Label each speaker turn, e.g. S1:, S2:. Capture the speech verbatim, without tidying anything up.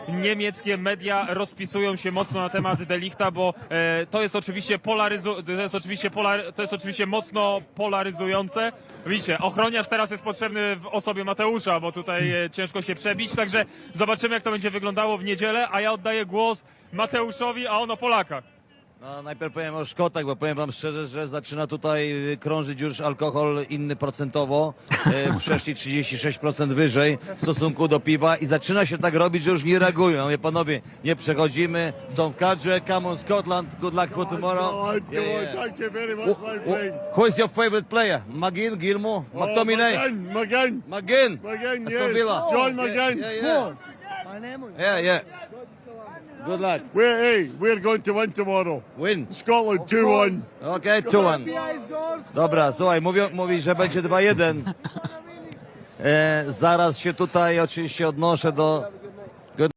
S1: Niemieckie media rozpisują się mocno na temat De Lichta, bo e, to jest oczywiście polaryzu to jest oczywiście polar to jest oczywiście mocno polaryzujące. Widzicie, ochroniarz teraz jest potrzebny w osobie Mateusza, bo tutaj e, ciężko się przebić, także zobaczymy, jak to będzie wyglądało w niedzielę, a ja oddaję głos Mateuszowi, a on o Polakach.
S2: No, najpierw powiem o Szkotach, bo powiem wam szczerze, że zaczyna tutaj krążyć już alkohol inny procentowo. E, przeszli trzydzieści sześć procent wyżej w stosunku do piwa i zaczyna się tak robić, że już nie reagują. Mówię, panowie, nie przechodzimy, są w kadrze, come on Scotland, good luck for tomorrow.
S3: Go
S2: Yeah,
S3: on,
S2: yeah.
S3: thank you very much,
S2: Who,
S3: my
S2: who,
S3: friend.
S2: who is your favorite player? McGinn, Gilmour,
S3: Oh,
S2: McTominay?
S3: McGinn, McGinn,
S2: McGinn.
S3: McGinn,
S2: Aston
S3: yes.
S2: Villa.
S3: John
S2: Yeah,
S3: McGinn.
S2: Yeah, yeah. Yeah, yeah. Good luck.
S3: We're, hey, we're going to win tomorrow.
S2: Win.
S3: Scotland two one.
S2: Okej, two one. Dobra, słuchaj, mówią, mówi, że będzie dwa jeden. E, zaraz się tutaj oczywiście odnoszę do